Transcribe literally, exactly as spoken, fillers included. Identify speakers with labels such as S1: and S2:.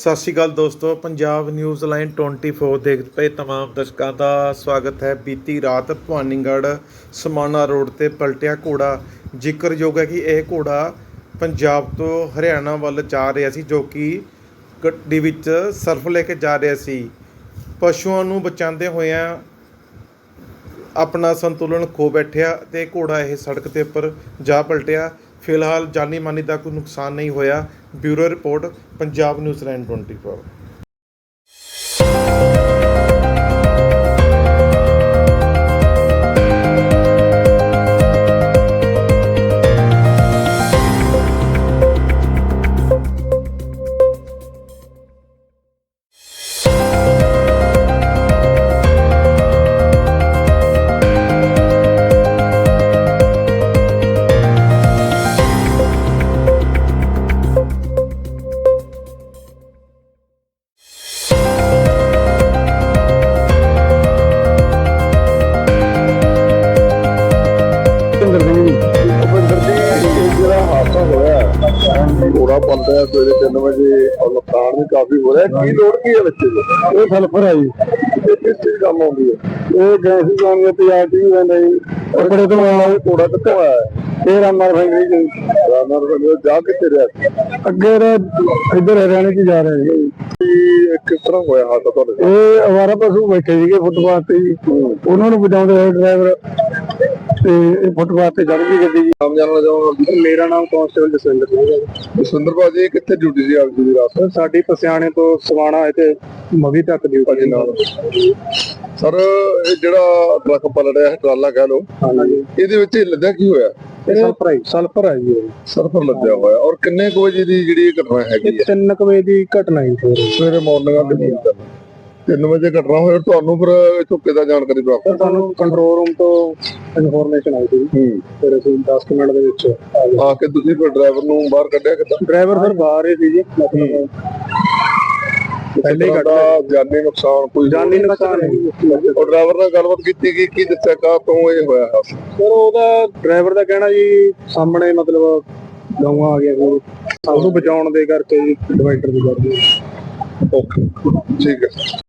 S1: ਸਤਿ ਸ਼੍ਰੀ ਅਕਾਲ ਦੋਸਤੋ, Punjab news line twenty four ਦੇਖਦੇ ਪਏ ਤਮਾਮ ਦਰਸ਼ਕਾਂ ਦਾ ਸਵਾਗਤ ਹੈ। ਬੀਤੀ ਰਾਤ ਭਵਾਨੀਗੜ੍ਹ ਸਮਾਣਾ ਰੋਡ ਤੇ ਪਲਟਿਆ ਘੋੜਾ। ਜ਼ਿਕਰਯੋਗ ਹੈ ਕਿ ਇਹ ਘੋੜਾ ਪੰਜਾਬ ਤੋਂ ਹਰਿਆਣਾ ਵੱਲ ਜਾ ਰਿਹਾ ਸੀ, ਜੋ ਕਿ ਗੱਡੀ ਵਿੱਚ ਸਰਫ ਲੈ ਕੇ ਜਾ ਰਿਹਾ ਸੀ। ਪਸ਼ੂਆਂ ਨੂੰ ਬਚਾਉਂਦੇ ਹੋਇਆਂ ਆਪਣਾ ਸੰਤੁਲਨ ਖੋ ਬੈਠਿਆ ਤੇ ਘੋੜਾ ਇਹ ਸੜਕ ਦੇ ਉੱਪਰ ਜਾ ਪਲਟਿਆ। ਫਿਲਹਾਲ ਜਾਨੀ ਮਾਨੀ ਦਾ ਕੋਈ ਨੁਕਸਾਨ ਨਹੀਂ ਹੋਇਆ। Bureau report, Punjab news line twenty four.
S2: घोड़ा पलता है सवेरे तीन बजे और नुकसान भी काफी हो रहा है। की लोड की है बच्चे को? ये सल्फर है जी। ये किस चीज काम आती है? ये गैस काम करती है आती है नहीं कपड़े तो घोड़ा कितना है? ये रामनगर फैक्ट्री जी। रामनगर फैक्ट्री जा कितने रहे? अगे इधर हरियाणा की जा रहे हैं। किस तरह होया हादसा ਤੁਹਾਡੇ? ਇਹ ਅਵਾਰਾ ਪਸ਼ੂ ਬੈਠੇ ਸੀਗੇ ਫੁੱਟਪਾਥ ਤੇ ਜੀ, ਉਹਨਾਂ ਨੂੰ ਬਚਾਉਂਦੇ ਹੋਏ ਡਰਾਈਵਰ ਤੇ ਇਹ ਫੁੱਟਪਾਥ ਤੇ ਚੜ ਗਈ ਗੱਡੀ ਜੀ। ਨਾਮ ਜਾਣਨਾ ਚਾਹਾਂਗਾ? ਮੇਰਾ ਨਾਮ ਕਾਂਸਟੇਬਲ ਜਸਵਿੰਦਰ ਸਿੰਘ ਹੈ। ਜਸਵਿੰਦਰ ਭਾਜੀ ਕਿੱਥੇ ਡਿਊਟੀ ਸੀ ਆਪਦੀ ਰਾਤ? ਸਾਡੀ ਪਸਿਆਣੇ ਤੋਂ ਸਵਾਣਾ ਤੇ ਮਵੀ ਤੱਕ ਡਿਊਟੀ ਨਾਲ। ਸਰ ਇਹ ਜਿਹੜਾ ਟਰੱਕ ਪਲਟਿਆ ਹੈ, ਟਰਾਲਾ ਕਹਿ ਲੋ, ਇਹਦੇ ਵਿੱਚ ਲੱਦਿਆ ਕੀ ਹੋਇਆ? ਸਲਫਰ ਹੈ। ਸਲਫਰ ਹੈ ਜੀ। ਸਲਫਰ ਲੱਦਿਆ ਹੋਇਆ। ਔਰ ਕਿੰਨੇ ਕੁ ਵਜੇ ਦੀ ਜਿਹੜੀ ਘਟਨਾ ਹੈਗੀ? ਤਿੰਨ ਕੁ ਵਜੇ ਦੀ ਘਟਨਾ ਹੈ ਸਵੇਰੇ ਮਾਰਨਿੰਗ ਤਿੰਨ ਵਜੇ ਘਟਨਾ ਹੋਇਆ। ਤੁਹਾਨੂੰ ਫਿਰ ਇੱਥੋਂ ਕਿੱਦਾਂ ਜਾਣਕਾਰੀ ਪ੍ਰਾਪਤ? ਸਾਨੂੰ ਕੰਟਰੋਲ ਰੂਮ ਤੋਂ ਇਨਫੋਰਮੇਸ਼ਨ ਆਈ ਸੀ। ਫਿਰ ਅਸੀਂ ਦਸ ਮਿੰਟ ਦੇ ਵਿੱਚ ਆ ਕੇ ਤੁਸੀਂ ਫਿਰ ਡਰਾਈਵਰ ਨੂੰ ਬਾਹਰ ਕੱਢਿਆ ਕਿੱਦਾਂ? ਡਰਾਈਵਰ ਫਿਰ ਬਾਹਰ ਹੀ ਸੀ ਜੀ। ਪਹਿਲੇ ਘਟਨਾ ਜਾਨੀ ਨੁਕਸਾਨ ਕੋਈ ਜਾਨੀ ਨੁਕਸਾਨ ਹੈ। ਉਹ ਡਰਾਈਵਰ ਨਾਲ ਗੱਲਬਾਤ ਕੀਤੀ ਕਿ ਕੀ ਦੱਸਿਆ ਕਾ ਤੋਂ ਇਹ ਹੋਇਆ ਹੈ? ਸਰ ਉਹਦਾ ਡਰਾਈਵਰ ਦਾ ਕਹਿਣਾ ਜੀ ਸਾਹਮਣੇ ਮਤਲਬ ਗਊਆਂ ਆ ਗਿਆ ਕੋਈ ਸਭ ਨੂੰ ਬਚਾਉਣ ਦੇ ਕਰਕੇ ਜੀ ਡਿਵਾਈਡਰ ਦੀ ਕਰਦੇ। ਓਕੇ ਠੀਕ ਹੈ।